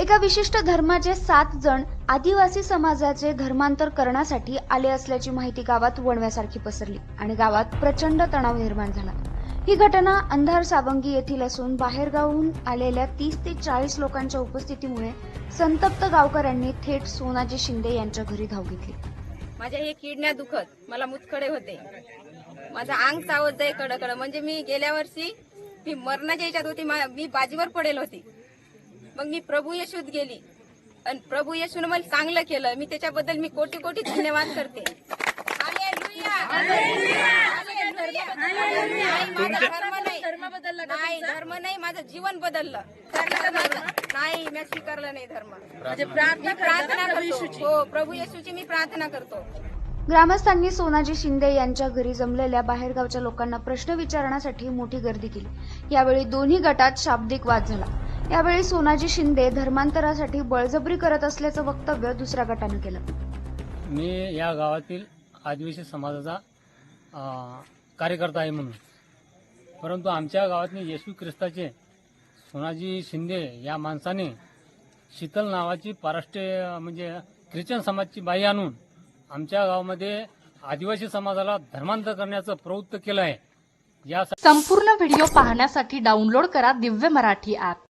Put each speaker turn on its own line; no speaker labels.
एका विशिष्ट धर्माचे 7 जण आदिवासी समाजाचे धर्मांतर करण्यासाठी आले असल्याची माहिती गावात वणव्यासारखी पसरली आणि गावात प्रचंड तणाव निर्माण झाला। ही घटना अंधार सावंगी येथील असून बाहेरगावहून आलेल्या 30 ते 40 लोकांच्या उपस्थितीमुळे संतप्त गावकऱ्यांनी थेट सोनाजी शिंदे यांच्या घरी धाव घेतली।
माझ्या हे किडण्या दुखत, मला मुतखडे होते, माझं अंग चावत जाई कडकड। म्हणजे मी गेल्या वर्षी मी मरणाच्या याच्यात होती, मी बाजीवर पडेल होती। मग मी प्रभू येशूत गेली आणि प्रभू येशूने मला चांगलं केलं। मी त्याच्याबद्दल मी कोटी कोटी धन्यवाद करते। हालेलुया, हालेलुया, नाही धर्म नाही, माझं जीवन बदललं। नाही, मी स्वीकारलं नाही धर्म। म्हणजे प्रार्थना करतो, हो प्रभू येशूची मी प्रार्थना करतो।
ग्रामस्थांनी सोनाजी शिंदे यांच्या घरी जमलेल्या बाहेरगावच्या लोकांना प्रश्न विचारण्यासाठी मोठी गर्दी केली। यावेळी दोन्ही गटात शाब्दिक वाद झाला। यावेळी सोनाजी शिंदे धर्मांतरासाठी बळजबरी करत असल्याचं वक्तव्य दुसऱ्या गटाने केलं।
मी या गावातील आदिवासी समाजाचा कार्यकर्ता आहे म्हणून, परंतु आमच्या गावातील येशू ख्रिस्ताचे सोनाजी शिंदे या माणसाने शीतल नावाची पाराष्ट्रीय म्हणजे ख्रिश्चन समाजची बाई आणून आमच्या गावामध्ये आदिवासी समाजाला धर्मांतर करण्याचं प्रवृत्त केलं आहे। या
संपूर्ण व्हिडिओ पाहण्यासाठी डाउनलोड करा दिव्य मराठी ॲप।